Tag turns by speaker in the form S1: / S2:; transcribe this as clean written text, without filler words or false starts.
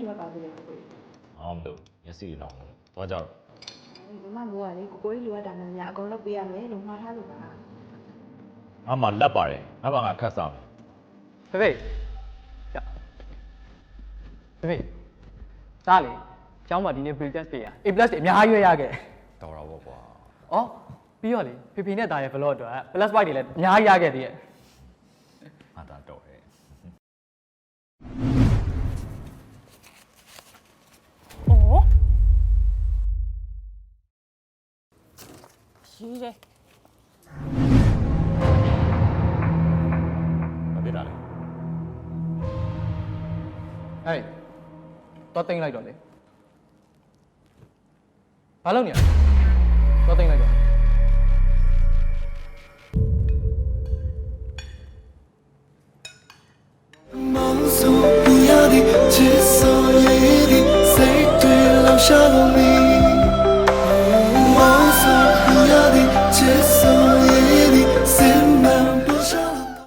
S1: လိုပါဘူးလေကို
S2: အော်မလို့မျက်စိတွေတော့သွားကြတော့
S1: မမမိုးကလေကိုကြီးလိုအပ်တာနဲ့များအကုန်လုပ်ပေးရမယ်လို့မှားထားလို့ပါ
S2: ငါမှလက်ပါတယ်ငါဘာငါခတ်စားမယ်
S3: ဖေဖေရဖေဖေသားလေကျောင်းမှာဒီနေ့ pre-test ပေးရ A+ တွေအများကြီးရခဲ့
S2: တော်တော့ပေါ့ကွာ
S3: ။အော်ပြီးတော့လေဖေဖေနဲ့သားရဲ့ vlog အတွက် +5 တွေလည်းအများကြီးရခဲ့သေးရဲ့
S2: ငါသာတော့ဟဲ့
S4: 哦，是的，
S2: မဖြစ်တာလေ
S3: ။ဟဲ့တော့တင်လိုက်တော့လေ။ဘာလုပ်နေရလဲ။တော့တင်လိုက်တော့